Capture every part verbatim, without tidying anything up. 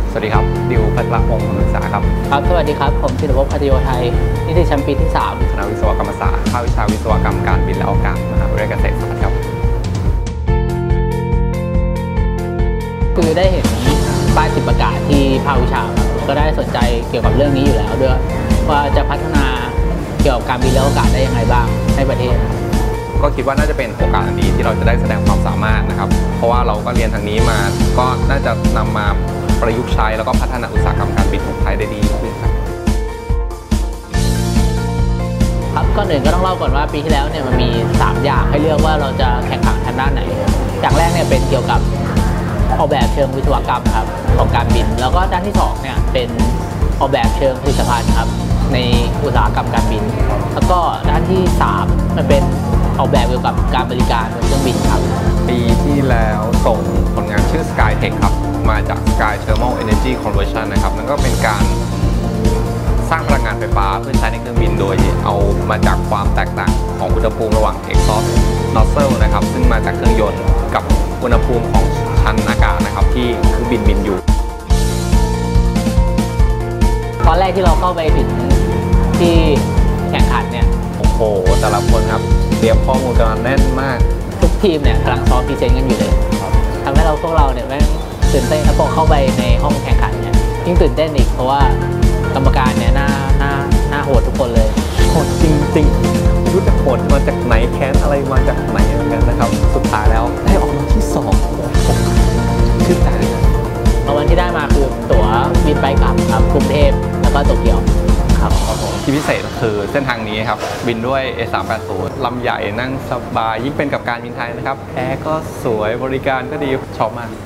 สวัสดีครับดิวพัฒระพงศ์ศึกษาครับครับสวัสดีครับผมศิรภพพัทโยไทยนิติชั้นปีที่สามคณะวิศวกรรมศาสตร์ภาควิชาวิศวกรรมการบินและอวกาศมหาวิทยาลัยเกษตรศาสตร์ครับคือได้เห็นป้ายติดประกาศที่ภาควิชาก็ได้สนใจเกี่ยวกับเรื่องนี้อยู่แล้วด้วยว่าจะพัฒนาเกี่ยวกับการบินและอวกาศได้ยังไงบ้างให้ประเทศก็คิดว่าน่าจะเป็นโอกาสอันดีที่เราจะได้แสดงความสามารถนะครับเพราะว่าเราก็เรียนทางนี้มาก็น่าจะนำมาประยุกต์ใช้แล้วก็พัฒนาอุตสาหกรรมการบินของไทยได้ดีขึ้นครับครับก่อนอื่นก็ต้องเล่าก่อนว่าปีที่แล้วเนี่ยมันมีสามอย่างให้เลือกว่าเราจะแข่งขันทางด้านไหนอย่างแรกเนี่ยเป็นเกี่ยวกับออกแบบเชิงวิศวกรรมครับของการบินแล้วก็ด้านที่สองเนี่ยเป็นออกแบบเชิงผลิตภัณฑ์ครับในอุตสาหกรรมการบินแล้วก็ด้านที่สามมันเป็นออกแบบเกี่ยวกับการบริการบนเครื่องบินครับปีที่แล้วส่งผลงานชื่อ SkyTech ครับมาจาก Sky Thermal Energy Conversion นะครับนั่นก็เป็นการสร้างพลังงานไฟฟ้าเพื่อใช้ในเครื่องบินโดยเอามาจากความแตกต่างของอุณหภูมิระหว่าง exhaust nozzle นะครับซึ่งมาจากเครื่องยนต์กับอุณหภูมิของชั้นอากาศนะครับที่เครื่องบินบินอยู่ตอนแรกที่เราเข้าไปถึงที่แข่งขันเนี่ยโอ้โหแต่ละคนครับเตรียมข้อมูลกันแน่นมากทุกทีมเนี่ยกำลังซ้อมพรีเซนต์กันอยู่เลยทำให้เราพวกเราเนี่ยแม่งตื่นเต้นแล้วพอเข้าไปในห้องแข่งขันเนี่ยยิ่งตื่นเต้นอีกเพราะว่ากรรมการเนี่ยหน้าหน้าหน้าโหดทุกคนเลยโหดจริงๆไม่รู้จะโหดมาจากไหนแค้นอะไรมาจากไหนเหมือนกันนะครับสุดท้ายแล้วได้ออกมาที่สองชื่นใจเลยรางวัลที่ได้มาคือตั๋วบินไปกลับครับกรุงเทพแล้วก็โตเกียวครับที่พิเศษคือเส้นทางนี้ครับบินด้วย เอ สามแปดศูนย์ ลำใหญ่นั่งสบายยิ่งเป็นกับการบินไทยนะครับแอร์ก็สวยบริการก็ดีชอบมาก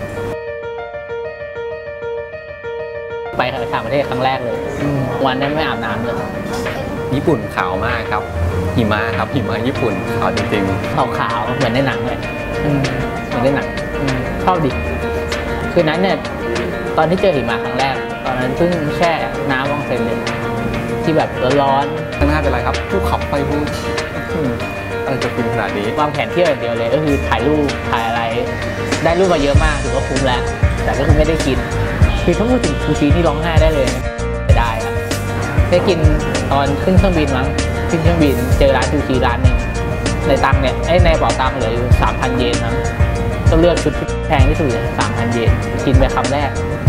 ไปต่างประเทศครั้งแรกเลยวันนั้นไม่อาบน้ำเลยญี่ปุ่นขาวมากครับหิมะครับหิมะญี่ปุ่นขาวจริงๆขาวขาวเหมือนในหนังเลยเหมือนในหนังชอบดิคืนนั้นเนี่ยตอนที่เจอหิมะครั้งแรกตอนนั้นเพิ่งแช่น้ำวองเซนเลยที่แบบร้อนๆข้างหน้าเป็นไรครับภูเขาไฟฟูอะไรจะฟินขนาดนี้วางแผนเที่ยวอย่างเดียวเลยก็คือถ่ายรูปถ่ายอะไรได้รูปมาเยอะมากถือว่าคุ้มแล้วแต่ก็คือไม่ได้กินคือถ้าพูดถึงซูชินี่ร้องไห้ได้เลยได้ครับได้กินตอนขึ้นเครื่องบินมั้งขึ้นเครื่องบินเจอร้านซูชิร้านหนึ่งในตังเนี่ยไอ้ในเป๋าตังเหลืออยู่สามพันเยนมั้งก็เลือกชุดที่แพงที่สุดเลยสามพันเยนกินไปคำแรก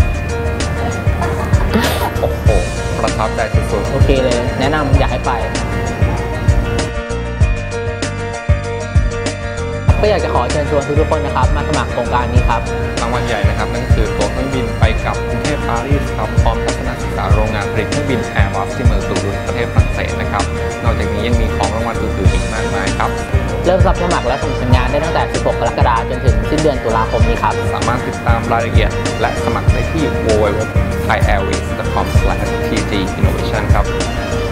โอ้โหประทับใจสุดๆโอเคเลยแนะนำอยากให้ไปก็อยากจะขอเชิญชวนทุกๆคนนะครับมาสมัครโครงการนี้ครับรางวัลใหญ่นะครับนั่นคือตั๋วเครื่องบินไปกับกรุงเทพปารีสครับพร้อมทัศนศึกษาโรงงานผลิตเครื่องบิน Airbus ที่เมืองตูลูสประเทศฝรั่งเศสนะครับนอกจากนี้ยังมีของรางวัลอื่นๆอีกมากมายครับเริ่มรับสมัครและส่งสัญญาณได้ตั้งแต่สิบหกกรกฎาคมจนถึงสิ้นเดือนตุลาคมนี้ครับสามารถติดตามรายละเอียดและสมัครได้ที่ ดับเบิลยู ดับเบิลยู ดับเบิลยู ดอท ไทยแอร์เวย์ ดอท คอม สแลช ที จี อินโนเวชั่น ครับ